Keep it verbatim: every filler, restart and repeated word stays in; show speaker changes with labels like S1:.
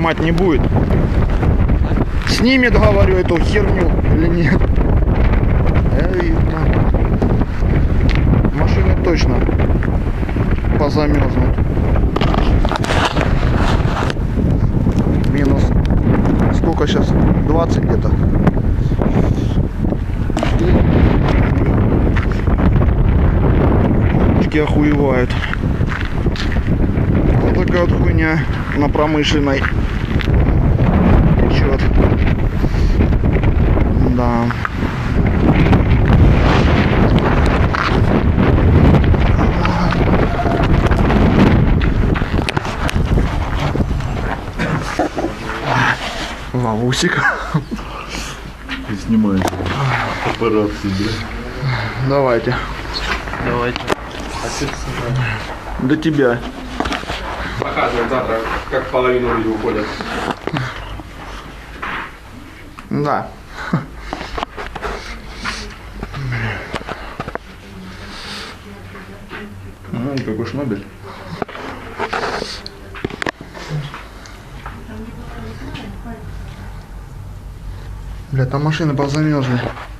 S1: снимать не будет. Снимет, говорю, эту херню или нет. Эй, машины точно позамерзнут. Минус сколько сейчас? двадцать где-то. Очки охуевают. Вот такая вот хуйня на промышленной течет. Да. Лавусик.
S2: И снимай операции, да?
S1: Давайте.
S3: Давайте.
S2: А что ты снимаешь?
S1: До тебя.
S3: Показываем завтра, как половину люди уходят.
S1: Да. Ну, какой шнобель. Бля, там машины позамерзли.